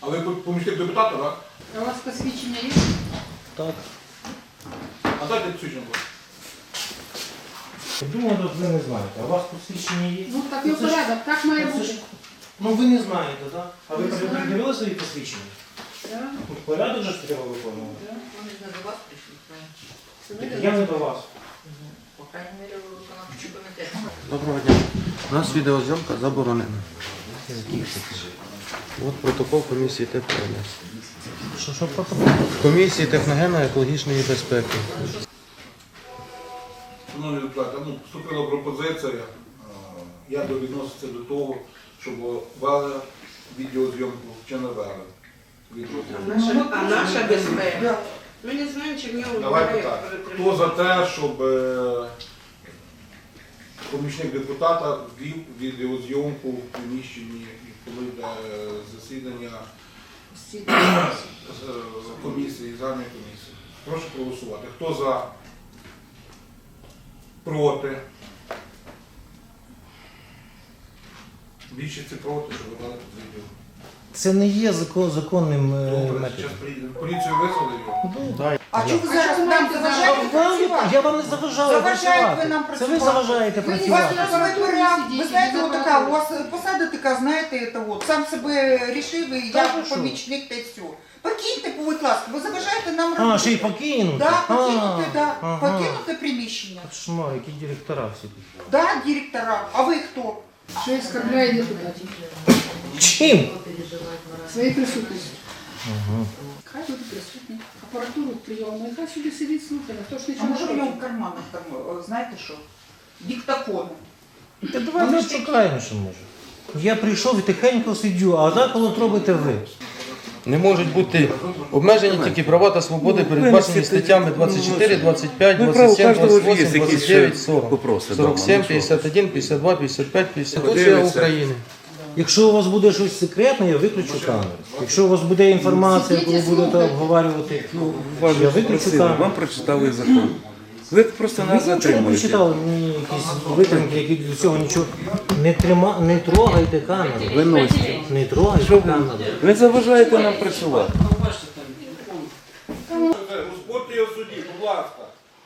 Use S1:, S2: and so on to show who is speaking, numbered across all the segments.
S1: А ви помічник депутата, так?
S2: А у вас посвідчення є?
S3: Так.
S1: А дайте посвідчення.
S3: Я думаю, ви не знаєте. А у вас посвідчення є?
S2: Ну так його порядок, так має бути.
S3: Ну ви не знаєте, так? А ви передивили свої посвідчення?
S2: Да.
S3: Порядок же ж треба виконувати.
S2: Да.
S4: Вони ж не до вас прийшли,
S3: Я не до вас.
S4: по крайній мірі, виконавчий комітет.
S5: Доброго дня. У нас відеозйомка заборонена. От протокол комісії ТПНС.
S3: Що протокол?
S5: Комісії техногенно-екологічної безпеки.
S1: Шановні депутати, поступила пропозиція, як відноситься до того, щоб вели відеозйомку чи не вели відеозйомку.
S4: А наша безпека? Ми не знаємо, чи в нього
S1: Давайте так. Хто за те, щоб помічник депутата ввів відеозйомку в приміщенні, коли йде засідання комісії, загальної комісії? Прошу проголосувати. Хто за? Проти? Більшість проти, щоб ви дали тут відео.
S3: Це не є законним
S1: Добре,
S3: методом.
S1: зараз поліцію визвали його.
S6: А чого ви зараз нам заважаєте працювати?
S3: Я вам не заважаю
S6: Заважаєте ви
S3: працювати.
S6: нам
S3: Це ви
S6: працювати.
S3: заважаєте
S6: У вас
S3: працювати.
S6: ви знаєте, отака, у вас посада така, знаєте, це от, сам себе рішив, і
S3: Та
S6: я
S3: ви що?
S6: помічник, та й все. Покиньте, будь ласка, ви заважаєте нам
S3: А,
S6: робити.
S3: ще й покинути?
S6: Да, покинути, да.
S3: Ага.
S6: Покинути приміщення.
S3: Кошмар, які директора всі тут.
S6: Да, директора. А ви хто?
S2: Що оскорбляє депутатів?
S3: Чим?
S2: Своєю присутністю. Хай буде присутні. Апаратуру прийому, хай собі сидить слухає, хто ж
S6: А
S2: нічого
S6: може
S2: не
S6: в нього
S2: робить.
S6: в карманах там, знаєте що? Диктофон.
S3: Та давайте шукаємо, що може. Я прийшов і тихенько сидю, а так от робите ви.
S5: Не можуть бути обмежені тільки права та свободи, передбачені статтями 24, 25, 27, 28, 29, 40, 47, 51, 52, 55, 50. Конституція України.
S3: Якщо у вас буде щось секретне, я виключу камеру. Якщо у вас буде інформація, яку ви будете обговорювати, я виключу камеру.
S7: Вам прочитали закон. Ви просто нас
S3: Ви нічого не
S7: затримуєте.
S3: прочитали, мені якісь витримки, які до цього нічого. Не трогайте камеру.
S7: Виносите.
S3: Не трогайте камеру.
S7: Ви заважаєте нам працювати.
S1: Узборте його в суді, будь ласка.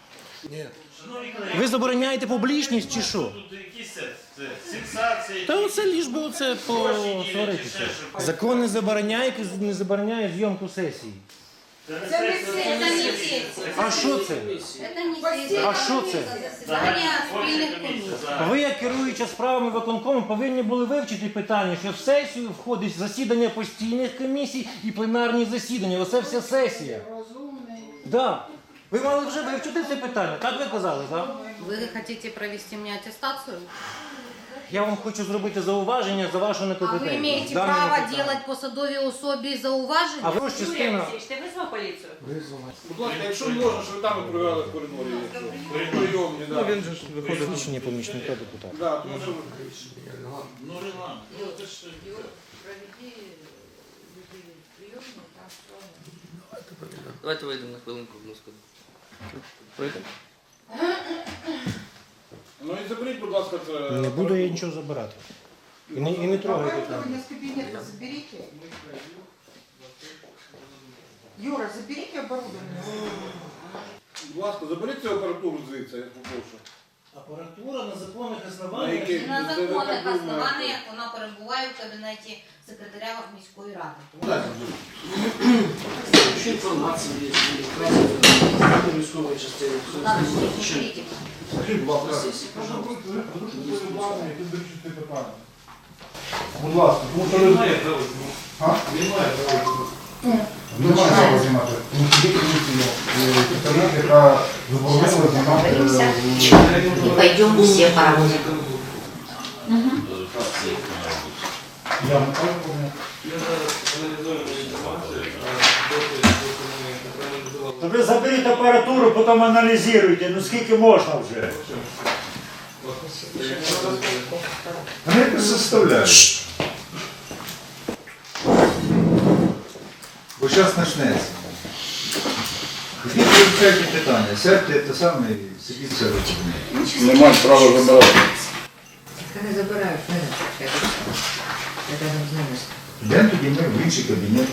S3: Ви забороняєте публічність чи що?
S8: Тут якісь сенсації.
S3: Та оце ліж би оце посваритися. Закон не забороняє зйомку сесії.
S4: Це не сесія.
S3: А що це? А що це?
S4: Засідання спільних комісій.
S3: Ви, як керуюча справами виконкому, повинні були вивчити питання, що в сесію входить засідання постійних комісій і пленарні засідання. Оце вся сесія.
S2: Розумний.
S3: Да. Ви мали вже вивчити це питання, так ви казали, так?
S4: Ви хочете провести мені атестацію?
S3: Я вам хочу зробити зауваження за вашу
S4: А ви
S3: некомпетентність.
S4: маєте
S3: Даному
S4: право
S3: питанню.
S4: робити посадовій особі зауваження?
S3: А ви ж частина...
S4: Ти визвав поліцію?
S1: Будь ласка, якщо можна, щоб ви там провели в коридорі. Прийомні, да.
S7: Він же ж виходить.
S3: Посвідчення помічника депутата.
S1: Да, тому що
S8: Ну, Ренат, ну ти ж
S4: Проведи прийомну, там все.
S9: Давайте вийдемо на хвилинку в Москву.
S7: Вийдемо?
S1: ну і заберіть, будь ласка, це.
S3: Не буду я нічого забирати. І не трогайте там.
S6: Оборудование с кабинета заберите. Юра, заберите оборудование.
S1: Будь ласка, заберіть цю апаратуру звідси, я попрошу.
S3: Апаратура на законних
S1: На
S3: основаннях.
S1: яких?
S4: На
S1: Це ви
S4: законних
S1: так думаєте?
S4: основаннях вона перебуває в кабінеті секретаря міської ради.
S9: Що інформація є? Військової частини.
S4: Надо ж не критика.
S1: Скажіть, будь ласка, підвищити питання. Будь ласка, тому що ви... А?
S10: Немає права знімати. Тому що є комісія, представник, яка заборонила знімати.
S4: И пойдем все по работе.
S10: Я не кажу,
S11: Ви заберіть апаратуру, потім аналізуйте, ну скільки можна вже.
S10: вони якось заставляють. Бо зараз почнеться. Ідіть вивчайте питання, сядьте те саме і сидіть все робити.
S1: Не мають права забирати.
S4: Когда забираешь, это рядом с нами.
S10: Йдемо тоді ми в інші кабінети.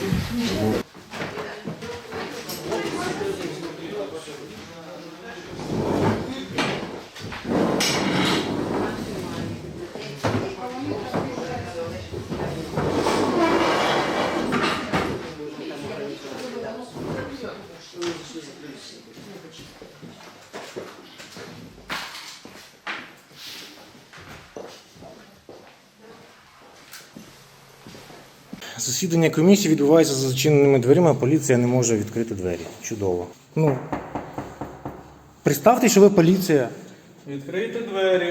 S3: Засідання комісії відбувається за зачиненими дверима, поліція не може відкрити двері. Чудово. Ну, представте, що ви поліція.
S7: Відкрийте двері.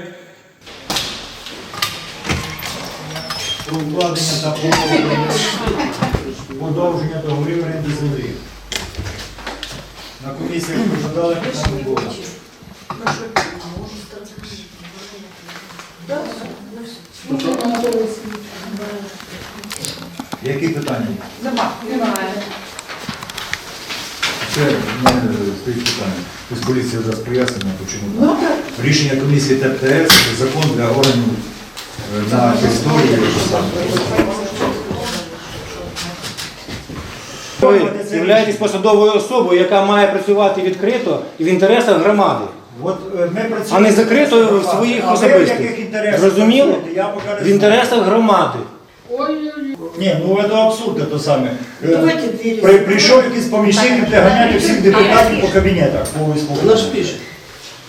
S11: Про укладення та подовження договорів оренди землі. На комісіях розглядали питання було.
S10: Які питання?
S6: Немає.
S10: Це в мене стоїть питання. Тобто поліція зараз пояснення, чому так. Рішення комісії ТПТС – закон для органів на території.
S3: Ви являєтесь посадовою особою, яка має працювати відкрито і в інтересах громади,
S11: От ми працюємо.
S3: а не закрито в своїх
S11: А ви в яких
S3: особистих.
S11: інтересах
S3: Зрозуміло?
S11: працюєте? Я поки не
S3: В
S11: знаю.
S3: інтересах громади.
S11: Ні, ну це абсурд, то саме. Прийшов якийсь помічник, де ганяти всіх депутатів по кабінетах. По
S9: Вона ж пише.